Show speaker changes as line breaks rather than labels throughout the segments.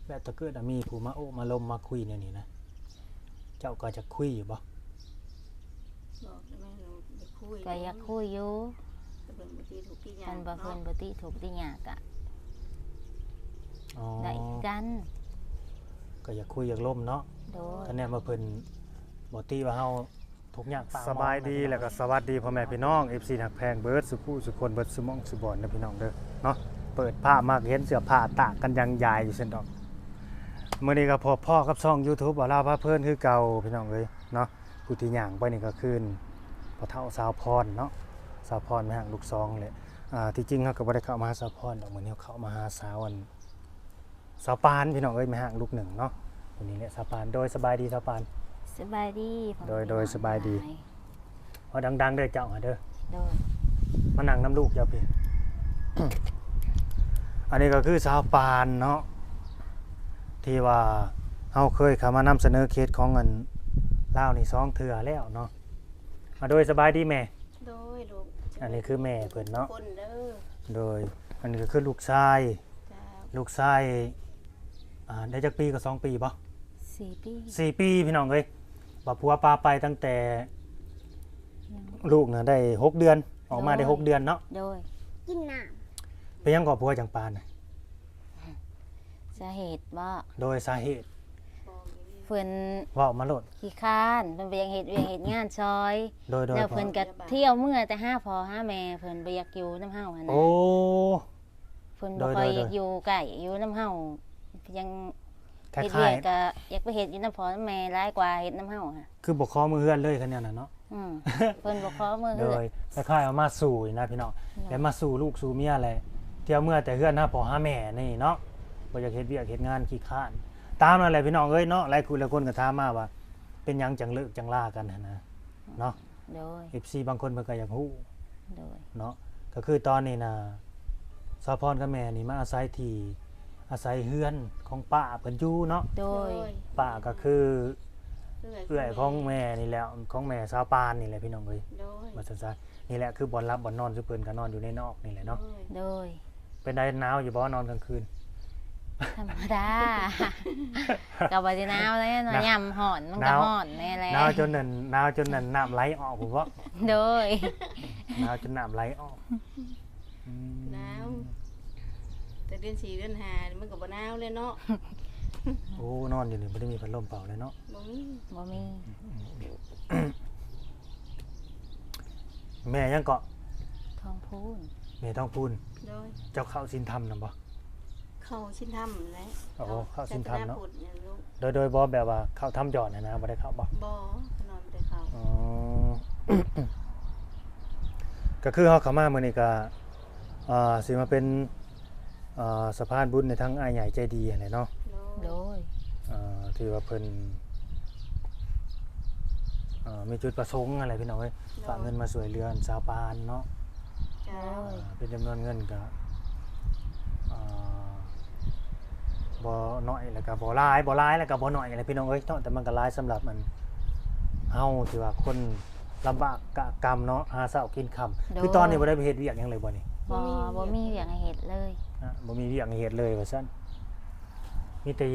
แบบถ้าเกิดมีผู้มาโอ้มาลมมาคุยเนี่ยนี่นะเจ้าก็จะคุยอยู่บ่
บอกได้ไหมเราอยากคุย
ก็อยากคุยอยู่
แต่เพิ่นบ่ตีถูกที่หยั
มั
ง
นบ่เพิ่นบ่ติถูกติหยากะ
อ๋อ
ได้คือกัน
ก็อยากคุยอยากล่มเนาะ
โดย
คะแนนมาเพิ่นบ่ตีว่าเฮาทุกอย่างปาก
สบายดีแล้วก็สวัสดีพ่อแม่พี่น้อง FC หักแพงเบิร์ดสุผู้สุคนเบิร์ดสุมองสุบอนนะพี่น้องเด้อเนาะเปิดผ้ามากเห็นเสื้อผ้าตากกันยังยายอยู่เช่นดอกมื้อนี้ก็พบพ่อกับช่อง YouTube บ่าวลาวพาเพิ่นคือเก่าพี่น้องเอ้ยเนาะผู้ที่ย่างไปนี่ก็คือพ่อเฒ่าสาวพรเนาะสาวพรแม่ห่างลูกซองเลยที่จริงเฮาก็บ่ได้เข้ามาหาสาวพรดอกมื้อนี้เฮาเข้ามาหาสาวอันสาวปานพี่น้องเอ้ยแม่ห่างลูกหนึ่งเนาะวันนี้เนี่ยสาวปานโดยสบายดีสาวปาน
สบายดีพ่อแม่
โดยสบายดี
พอดังๆเด้อเจ้าหาเด้อ
โดย
มานั่งน้ำลูกเจ้าพี่ อันนี้ก็คือสาวปานเนาะที่ว่าเฮาเคยเข้ามานำเสนอเคสของเงินลาวนี่2เทื่อแล้วเนาะโดยสบายดีแม่
โดยลูก
อันนี้คือแม่เพิ่นเนาะ
คนเด้อ
โดยอันนี้ก็คือลูกชาย
จ้า
ลูกชายได้จักปีก็2ปีบ่
4 ปี
4ปีพี่น้องเอ้ยบ่ผัวปาไปตั้งแต่ลูกน่ะได้6เดือนออกมาได้6เดือนเนาะ
โดย
กินน้
เป็นหยังก่อผัวจังปานน่ะ
สาเหตุว่า
โดยสาเหตุ
ำบอกอย่างนี้
เพิ่น
เว้ามาโลด
ขี้ค้านเพิ่นบ่อยากเฮ็ดเวียกเฮ็ดงานซอย
โดย
แล้วเพิ่นก็เที่ยวเมื่อแต่หาพ่อหาแม่เพิ่นบ่อยากอยู่นำเฮาหั่น
โอ้
นะเพิ่นบ่ค่อย
โดย
อยากอยู่ใกล้อยู่นำเฮายัง
คล้
เฮ็ดเวี
าย
กก็อยากไปเฮ็ดอยู่นำพ่อนำแม่หลายกว่าเฮ็ดนำเฮาค่ะ
ๆคือบ่ขอมือเฮือนเลยคันเนี้ยน่ะเนาะ
เพิ่นบ่ขอมือ
โด
เฮือย
คล้ายๆเอามาสู่นี่นะพี่น้องแล้วมาสู่ลูกสู่เมียแหละเที่ยวเมื่อแต่เฮือนหาพ่อหาแม่นี่เนาะบ่อยากเฮ็ดเวียกเฮ็ดงานขี้คร้านตามนั่นแหละพี่น้องเอ้ยเนาะหลายคนก็ถามมาว่า เป็นหยังจังเลิกจังลากันหั่นนะเนาะ
โดย
FC บางคนเพิ่นก็อยากฮู้
โดย
เนาะก็คือตอนนี้นะสาวพรกับแม่นี่มาอาศัยที่อาศัยเฮือนของป้าเพิ่นอยู่เนาะ
โดย
ป้าก็คือ
เอื้
เอื้อยของแม่นี่แหละของแม่สาวปานนี่แหละพี่น้องเอ้ย
โดย
ว่าซั่นๆนี่แหละคือบ่อนรับบ่อนนอนซุเพิ่นก็นอนอยู่ในนอกนี่แหละเนาะ
โดย
เป็นได้หนาวอยู่บ่นอนกลางคืน
ธรรมดาก็บ่ได้หนาวเลยเนาะยามร้อนมันก็ร้อนแน่แหละ
หนาวจนนั่นน้ำไหลออกผมว่า
โดย
หนาวจนน้ำไหลออกอืม
หนาวแต่เดือน4เดือน5นี่มันก็บ่หนาวเลยเนาะ
โอ้นอนอยู่นี่บ่ได้มีพัดลมเป่าเลยเนาะ
บ่มี
บ่มี
แม่ยังเกาะ
ทองพูน
แม่ท้องพูน
โดย
เจ้าเข้าศีลธรรมนำบ่
เข้าชิ้นทำแหละ
โอ้เข้าชิ้นทำเนาะ
ศสพุทธเนี่ยลูก
โดยบ่แบบว่าเข้าถ้ำหยอดนะบ่ได้เข้าบ่
บ่นอนแต่เข้า
อ๋อ ก็คือเฮาเข้ามามื้อนี้ก็สิมาเป็นสะพานบุญในทั้งอ้ายใหญ่ใจดีนั่นแหละเนาะ
โดย
ที่ว่าเพิ่นมีจุดประสงค์อะไรพี่น้องเอ้ยฝากเงินมาช่วยเหลือชาวปานเนาะ
จ้า
เป็นจำนวนเงินก็บ่น้อยแล้วก็บ่หลายแล้วก็บ่น้อยอะไรพี่น้องเอ้ยเนาะแต่มันก็หลายสำหรับมันเฮาที่ว่าคนลำบากกะกรรมเนาะหาเช้ากินค่ำคือตอนนี้บ่ได้ไปเฮ็ดเวียกหยังเลยบ่นี่
บ่มีเวียกให้เฮ็ดเลย
บ่มีเวียกให้เฮ็ดเลยว่าซั่นมีแต่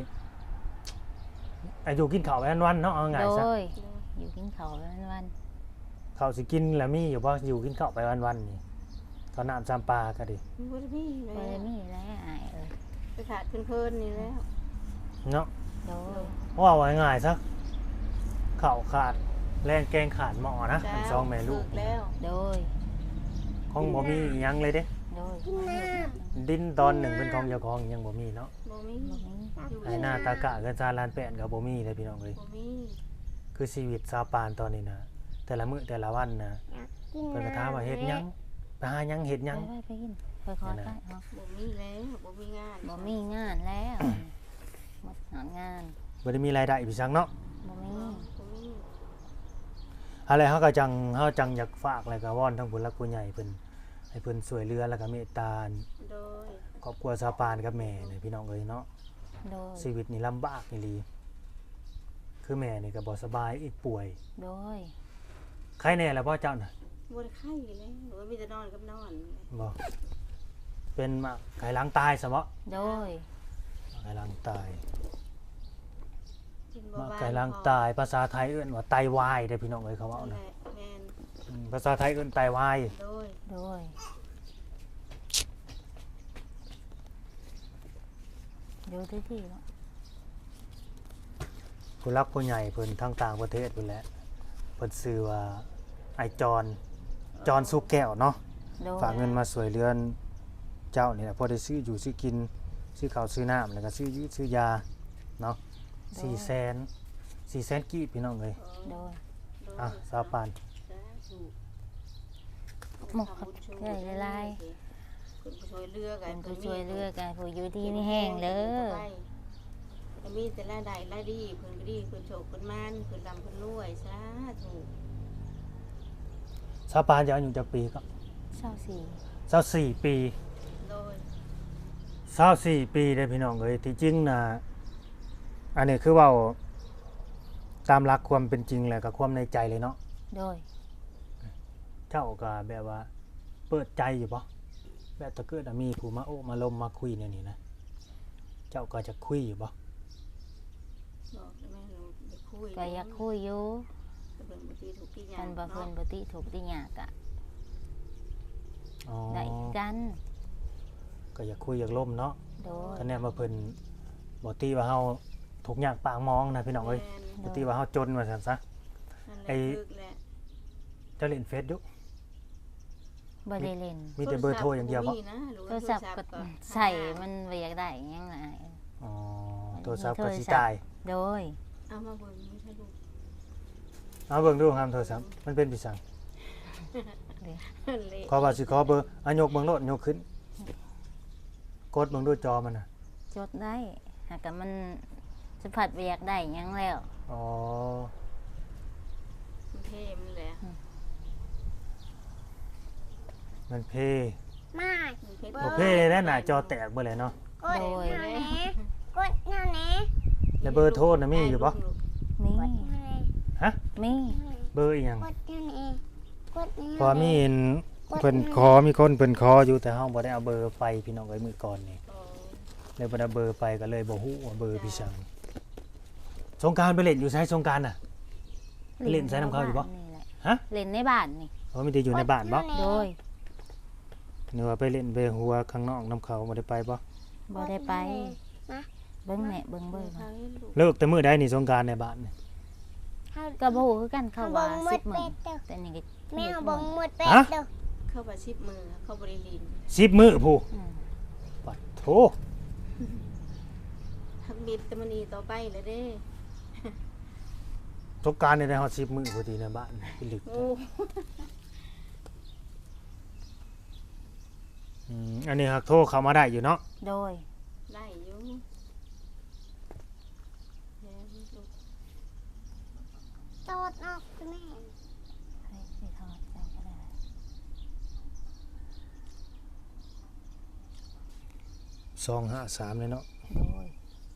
อายุกินข้าวไปวันๆเนาะเอาง่าย
โด
ซะ
ยอยู่กินข้าววัน
ข้าวสิกินแล้วมีอยู่บ่อยู่กินข้าวไปวันๆนี่ข้าวน้ำจำปาก็ดิ
บ่ได้มีเล
ๆบ่ได้
ย
มีแล้วอายเอ้ย
ไปขาดเพิ่นๆนี่แล้ว
เนาะ
โดย
ว่าไว้ง่ายซะข้าวขาดแรงแกงขาดหม้อนะ
จ้า
อันสองแม่ลูก
ฝึแล้ว
โดย
ของบ่มีอิหยังเลยเด้
โดย
ดินตอนหนึ่งเป็นของเจ้าของยังบ่มีเนาะ
บ่มี
บ่มี
ไอ้หน้าตากะเกินซาลานแป้นก็บ่มีเลยพี่น้องเอ้ย
บ่มี
คือชีวิตชาวปานตอนนี้นะแต่ละมื้อแต่ละวันนะเพิ่นก็ถามว่าเฮ็ดหยังไปหาหยังเฮ็ดหยัง
ไปกินค่อยๆไปเฮา
บ่มีแล้วบ่มีงาน
บ่มีงานแล้วหมดงาน
บ่ได้มีรายได้พี่ซังเนาะ
บ่มี
บ่มี
อะไรเฮาก็จังอยากฝากแล้วก็วอนทั้งผู้หลักผู้ใหญ่เพิ่นให้เพิ่นช่วยเหลือแล้วก็เมตตา
โดย
ครอบครัวชาวปานกับแม่นี่พี่น้องเอ้ยเนาะ
โดย
ชีวิตนี่ลำบากอีหลีคือแม่นี่ก็บ่สบายอีกป่วย
โดย
ใครแน่ล่ะพ่อเจ้าน่ะ
บ่ได้ไข้แล้วหรือว่ามีแต่นอนกับนอน
บ่เป็นมาไขหลังตายซะบ่
โดย
ไขลังตาย
กิน
มะ
บ้า
ไก่ลังตายภาษาไทยเอิ้นว่าไตวายเด้อพี่น้องเอ้ยเขาเว้า
นั่นแห
นะ
ละแม่น
ภาษาไทยเอิ้นไตวาย
โดย
โดยอยู่ที่ที่เนาะ
ผู้รักผู้ใหญ่เพิ่นทางต่างประเทศพุ่นแหละเพิ่นชื่อว่าไอจอนสุกแก้วเนาะ
โดย
ฝากเงินมาสวยเรือนเจ้านี่แหละพอได้ซื้ออยู่ซื้อกินซื้อข้าวซื้อน้ำแล้วก็ซื้อยืดซื้อยาเนาะ400,000กีบพี่น้องเอ้ย
โดย
อ่ะสาวปาน
หมกครับเรื่อยลาย
คุณผู้ช่วยเลือก
ๆเป็นผู้ช่วยเลือกกันผู้อยู่ที่นี่แห้งเด้อ
มีแต่ละใดละดีเพิ่นก็ดีเพิ่นโชคเพิ่นมานเพิ่นร่ำเพิ่นรวยสาธุ
สาวปานจะอายุจักปีก็
24
24ปี
โดย
24ปีเด้อพี่น้องเอ้ยที่จริงน่ะอันนี้คือเว้าตามหลักความเป็นจริงแหละกับความในใจเลยเนาะ
โดย
เจ้าก็แบบว่าเปิดใจอยู่บ่แบบถ้าเกิดว่ามีผู้มาโอ้มาลมมาคุยเนี่ยนี่นะเจ้าก็จะคุยอยู่บ่
บอกได้ไหมหนูอยากคุย
ก็อยากคุยอยู่
แต่เพิ่นบ่ตีถูกที่หยั
คั
ง
นบ่เพิ่นบ่ติถูกติหยากอะ
อ๋อ
ได้คือกัน
ก็อยากคุยอยากล่มเนาะ
โดย
คะแนนว่าเพิ่นบ่ตีว่าเฮาทุกข์ยากปากมองนะพี่น้องเอ้ย
แม่น
บ่ตีว่าเฮาจนว่าซั่นซะ
นั่นแหละ
ไอ้
ลึกแหละ
เจ้าเล่นเฟซอยู่
บ่ได้เล่น
มีแต่เบอร์โทรอย่างเดียวบ่
มีนะหรือ
โท
ว่าร
ศัพท์ก็ใส่มันบ่อยากได้หยังไง
อ๋อโทรศัพท์
มี
ก็
โทรศัพท์
สิตาย
โดย
เอามาเบิ่งไม่ใช่ลูก
เอาเบิ่งดูครับโทรศัพท์มันเป็นพิสัง
เละ
ขอว่าสิขอเบอร์อะยกเบิ่งโลดยกขึ้น กดเบิ่งดูจอมันน่ะ
จดได้หากแต่มันสัมผัสบ่อยากได้หยังแล้ว
อ๋อ
มันเท่มันแหละ
มันเพ
มา
มันเท่
บ่เพแล้วหน้าจอแตกเบิดเลยเนาะ
กดแนวไหนกดแนวไหน
แล้วเบอร์โทรน่ะมีอยู่บ่
มี
กดแนวไหน
ฮะ
มี
เบอร์อีหยัง
กดแนวไหนกดแนวไหน
พอมีเห็นเพิ่นขอมีคนเพิ่นขออยู่แต่เฮาบ่ได้เอาเบอร์ไปพี่น้องเอ้ยมื้อก่อนนี่
โอ้
เลยบ่ได้เบอร์ไปก็เลยบ่ฮู้ว่าเบอร์พี่สังสงกรานต์ไปเล่นอยู่ไสสงกรานต์น่ะ ไปเล่นใส่น้ำเข้าอยู่ปะ
นี่แหละ
ฮะ
เล่นในบ้านนี่
เพราะมีแต่อยู่ในบ้านบ่
โดย
นึกว่าไปเล่นไปหัวข้างนอกน้ำเขาบ่ได้ไปบ่
บ่ได้ไป เบิ่งแม่เบิ่งเบิ่ง
ทางนี้ลูก
เลิกแต่มื้อใดนี่สงกรานต์ในบ้านนี่
ก็บ่ฮู้คือกันเขาว่า
เบิ่งหมด
10 มื้อ
เป็ดเด้อ
แต่นี่ก็
แม่เอาบังหมดเป็ดเด้อ
เข้าไปชิบมือเข้าบริลิน
10มื้อผู้
อืม
ปัดโถ
ทักบิดแต่มันนีต่อไปเลยเด้
สงกรานต์นี่ได้ฮอด10มื้อพอดีในบ้านพี่ลึก
โอ้
อันนี้ฮักโทรเข้ามาได้อยู่เนาะ
โดย
ได้อยู่แม่ลูก
โตดออกแม่
ให้สิทอดจังก็ได้
253เลยเนาะ
โดย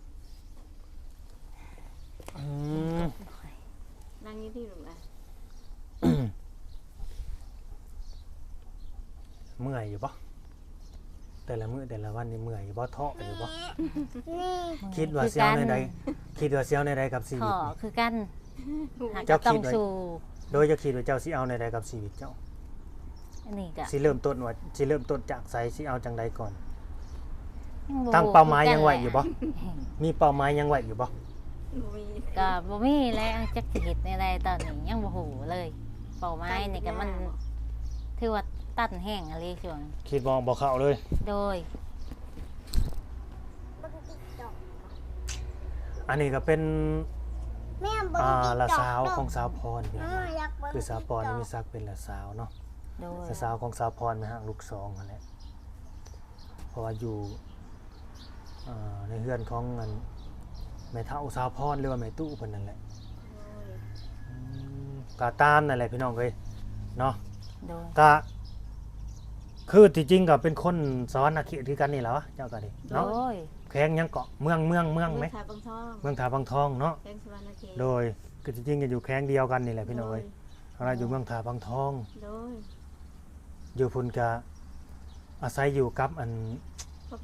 อืม
นั่งอยี่ที่ลูกนะ
เมื่อยอยู่บ่แต่ละมื้อแต่ละวันนี่เมื่อยอยู่บ่ท้ออยู่บ่
นี่
คิดว่าสิเอาในใดคิดว่าสิเอาในใดกับชี
ข
วิต
อ
นี่
คือกันหาก
เจ้า
ต้อ
คิ
ง
ดไว้
สู้
โดยจะคิดว่าเจ้าสิเอาในใดกับชีวิตเจ้า
อันนี้ก็
สิเริ่มต้นว่าสิเริ่มต้นจากไสสิเอาจังใดก่อน
ยังบ่
ตั้งเป้าหมาย
คือกั
ยังไหวอยู่บ่ มีเป้าหมายยังไหวอยู่บ่
มี
ก็บ่มีแล้วจักสิเฮ็ดในใดตอนนี้ยังบ่ฮู้เลยเป้าหมายนี่ก็มันถือว่าตันแห้งอะไรช่วง
คิดมองบ่เข้าเลย
โดย
บังติ๊กตอก
อันนี้ก็เป็น
แม่บัง
ละ
ติ๊กตอก
สาวของสาวพรพี่น้อง
อยากบัง
คือสาวพรนี่มีศักดิ์เป็นละสาวเนาะ
โดย
ละสาวของสาวพรมาหางลูกสองนั่นแหละเพราะว่าอยู่ในเฮือนของอันแม่เฒ่าสาวพรหรือว่าแม่ตู้เพิ่นนั่นแหละก็ตามนั่นแหละพี่น้องเอ้ยเนาะ
โดย
ก็คือที่จริงก็เป็นคนสอนอาชีพคือกันนี่แหละวะเจ้าก็ดิ
โด
เนาะ
ย
แข้งยังเกาะเมืองไหม
เมืองทาบังทอง
เมืองถาบางทองเนาะ
แกงสวรรณเขต
โดยคือจริงๆก็อยู่แข้งเดียวกันนี่แหละพี่น้องเอ้ยเราอยู่เมืองถาบางทอง
โดย
อยู่พุ่นก็อาศัยอยู่กับอัน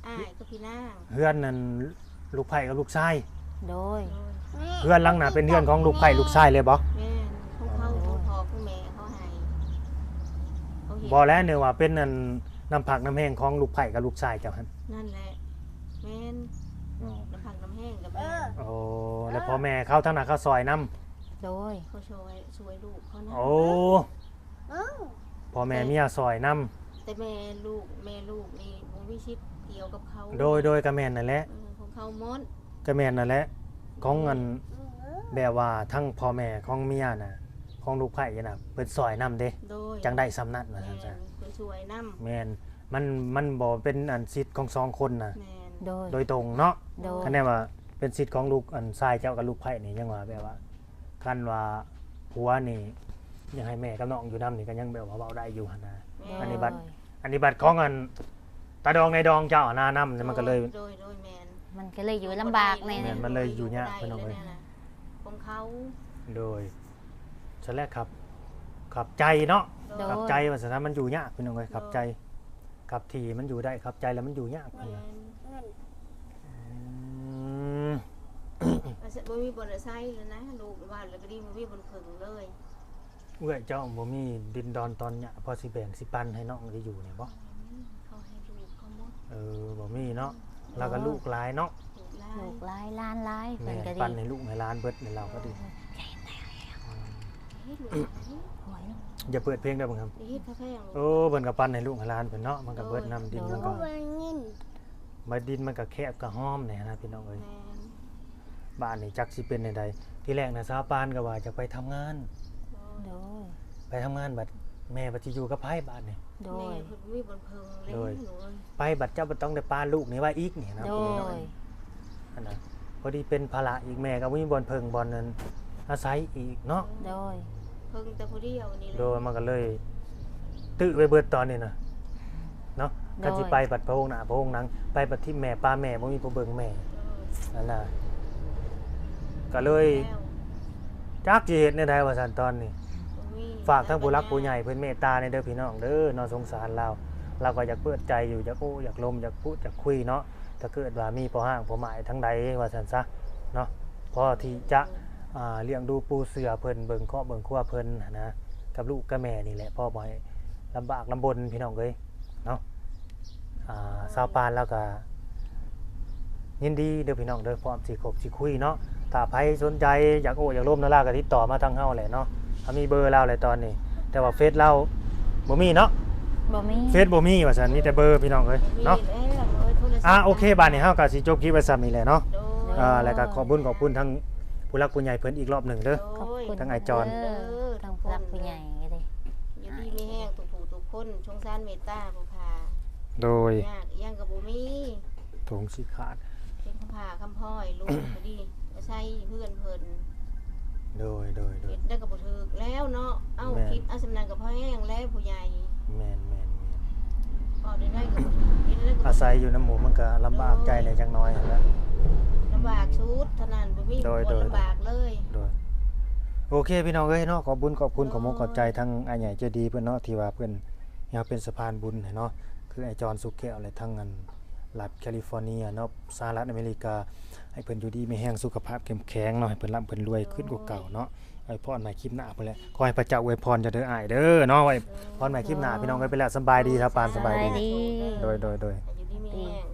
อ้ายก็พี่นาง
เฮือนนั่นลูกไผ่กับลูกชาย
โดย
โดย
แม่
เฮือนหลังน่ะเป็นเฮือนของลูกไผ่ลูกชายเลยบ่
แม่นของเขาของพ่อของแม่เขาให้เขาเห็น
บ่แล้วเนี่ยว่าเป็นนั่นน้ำผักน้ำแห้งของลูกไผ่กับลูกชายเจ้าหั่น
นั่นแหละแม่นน้ำผักน้ำแห้งกับแม่
โอ้แล้วพ่อแม่เขาทั้งนั้นเขาซอยน้
โดย
เขาช่วยลูกเขานะ
ำโอ้
เอ้า
พ่อแม่เมียซอยน้
แต่แม่ลูกนี่บ่มีชิดเกี่ยวกับเขา
ำโดยกระแม่นนั่นแหละ
ของเขาหมด
กระแม่นนั่นแหละของเงิน
เออ
แบบว่าทั้งพ่อแม่ของเมียน่ะของลูกไผ่น่ะเพิ่นซอยน้ำเด้
โดย
จังได้สำนักว่า
แม่
ซั่น
นเพิ่นช่วยนำ
ๆแม่นมันบ่เป็นอันสิทธิ์ของสองคนน่ะ
แม่น
โดย
โดยตรงเนาะ
โดย
คันแน่ว่าเป็นสิทธิ์ของลูกอันชายเจ้ากับลูกไผ่นี่ยังว่าแบบว่าคันว่าผัวนี่ยังให้แม่กับน้องอยู่นำนี่ก็ยังแบบว่าเว้าได้อยู่หั่นนะ
แม่
อันนี้บัตร อันนี้บัตรของอันตาดองในดองเจ้าหน้านำมันก็เลย
โดยแม่น
มันก็เลยอยู่ลำบากใน
แม่นมันเลยอยู่ยาก
ได้
พี่น้องเอ้ย
ลนะของเขา
โดยฉันแรกครับขับใจเนาะ
โดย
ขับใจว่าสถานมันอยู่ยากพี่น้องเอ้ยขับใจขับทีมันอยู่ได้ขับใจแล้วมันอยู่ยาก
แม่
พี่น้อง
น
เงิน
อืม
อาจจะบ่มีบนไซค์แล้วนะลูกว่าแล้วก็ดีบ่มีบนขึงเลย
เอื้อยเจ้าบ่มีดินดอนตอนเนี่ยพอสิแบ่งสิปันให้น้องได้อยู่เนี่ยบ่
เขาให้ลูกเขาหมด
บ่มีเนาะแล้วก็ลูกหลายเนาะ
ลูกหลา
ลู
ย
กหลายล้านหลาย
แม่
เพิ่นก็
ปัน
ดี
ให้ลูกให้หล้านเบิดในเราก็ดี
เฮ็ดลูกหลาย
หวย
อย่าเปิดเพลงได้บ่ครับ
เฮ็ดกาแฟของ
โอ้เพิ่นก็ปันให้ลูกให้หล้านเพิ่นเนาะมันก็เบิดน้ำดินมัน
ก็
ก็
ว่าเงิน
มาดินมันก็แคบก็ห้อมเนี่ยนะพี่น้องเอ้ย
แม่น
บ้านนี่จักสิเป็นในใดที่แรกนะสาวปานก็ว่าจะไปทำงาน
โดย
ไปทำงานบัดแม่บัดสิอยู่กับไผบ้านนี่
โด
แม่
ย
เพิ่นมีบนเพิงเลย
โดย
หนูเอ้ย
ไปบัดเจ้าบ่ต้องได้ปานลูกนี่ไว้อีกนี่นะ
โด
พี่น้อง
ย
เอ้ยอันนั้นพอดีเป็นภาระอีกแม่ก็บ่มีบ่อนเพิงบ่อนนั้นอาศัยอีกเนาะ
โดย
เพิงแต่ผู้เดียวนี่แหละ
โดยมันก็เลยตื้อไปเบิดตอนนี้นะเนาะกันสิไปบัดพระองค์หน้าพระองค์หนังไปบัดที่แม่ป้าแม่บ่มีผู้เบิ่งแม่นั่นน่ะก็เลย
แล้ว
จักสิเฮ็ดแนวใดว่าซั่นตอนนี้
บ่มี
ฝากทั้งผู้รักผู้ใหญ่เพิ่นเมตตาในเด้อพี่น้องเด้อเนาะสงสารเราก็อยากเปิดใจอยู่อยากโอ้อยากลมอยากพูดอยากคุยเนาะถ้าเกิดว่ามีพอห้างพอหมายทั้งใดว่าซั่นซะเนาะพอที่จะเลี้ยงดูปูเสือเพิ่นเบิ่งครอบเบิ่งครัวเพิ่นหั้นนะกับลูกกับแม่นี่แหละพ่อบ่ให้ลำบากลำบนพี่น้องเอ้ยเนาะสาวปานแล้วก็ยินดีเด้อพี่น้องเด้อพร้อมสิคบสิคุยเนาะถ้าใครสนใจอยากโอ้อยากร่วมนาลาก็ติดต่อมาทางเฮาแหละเนาะ มีเบอร์เราเลยตอนนี้ แต่ว่าเฟซเราบ่มีเนาะ
บ่มี
เฟซบ่มีว่าซั่นมีแต่เบอร์พี่น้องเอ้ยเนาะ
มีแล้วเอ้ยโทรศัพท์
โอเคบัดนี้เฮาก็สิจบคลิปไว้ซ้ำนี่แหละเนาะ
โดย
แล้วก็ขอบคุณทั้งผู้รักผู้ใหญ่เพิ่นอีกรอบหนึงเด้อ
ขอบคุณ
ทั้งไอ้จอน
เด้ทั้งผู้รักผู้ใหญ่เลย
อยู่ดีมีแห้งทุกผู้ทุกคนชงสารเมตตาผู้พา
โดย
ยากอีหยังก็บ่มี
ถุงสิขาด
เป็นคำพาคำพ้อยลูกก็ดีใช้เพื่อนเพิ่น
โดย
เฮ็ดได้ก็บ่ถูกแล้วเนาะเอ้า
แม่น
คิดเอาสำนักกับพ่อแห้งแล้วผู้ใหญ่
แม่น
ก็ได้ก็บ่ถูกคิดได้ก็
อาศัยอยู่น้ำหมูมันก็ลำบากใจในจังน้อยนั่นแหละ
ลำบากชุดเท่านั้นบ่มี
โดย
คนลำบากเลย
โดยโอเคพี่น้องเอ้ยเนาะขอบคุณขอบคุณขอบมุกขอบใจทั้งอ้ายใหญ่ใจดีเพิ่นเนาะที่ว่าเพิ่นอยากเป็นสะพานบุญให้เนาะคือไอ้จอนสุกแก้วและทั้งอันรัฐแคลิฟอร์เนียเนาะสหรัฐอเมริกาให้เพิ่นอยู่ดีมีแรงสุขภาพเข้มแข็งเนาะให้เพิ่นร่ำเพิ่นรวยขึ้นกว่าเก่าเนาะไว้พรใหม่คลิปหน้าพุ่นแหละขอให้พระเจ้าอวยพรจะเด้ออ้ายเด้อเนาะไว้พรใหม่คลิปหน้าพี่น้องเอ้ยไปแล้วสำบายดีครับปานสบายดี
สบายดี
โดย
อยู่ดีมีแห้ง